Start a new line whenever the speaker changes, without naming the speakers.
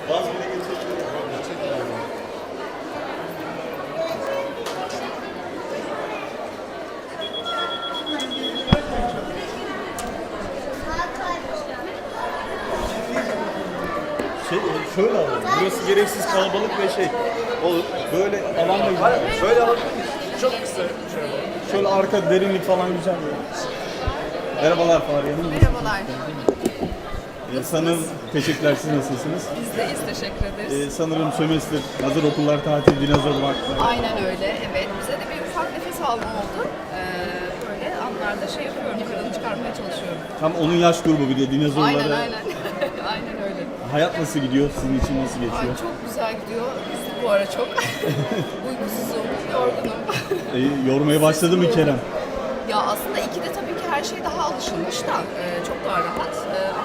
Vaz bile geçebilirim. Şöyle alalım. Burası gereksiz kalabalık ve olur. Böyle alan da güzel. Şöyle alalım. Çok kısa. Şöyle arka derinlik falan güzel. Merhabalar Fahriye Hanım.
Merhabalar.
Sanırım teşekkürler. Siz nasılsınız?
Biz deyiz, teşekkür ederiz.
Sanırım sömestr, hazır okullar tatil, dinozor vakti.
Aynen öyle, evet. Bize de bir ufak nefes alma oldu. Böyle anlarda yapıyorum, kırını çıkarmaya çalışıyorum.
Tam onun yaş grubu bir de dinozorlara.
Aynen, aynen. Aynen öyle.
Hayat nasıl gidiyor? Sizin için nasıl
Ay,
geçiyor?
çok güzel gidiyor. Biz bu ara çok uykusuzum, yorgunum.
Yormaya başladı mı Kerem?
Ya aslında ikide tabii ki her şey daha alışılmış da çok daha rahat.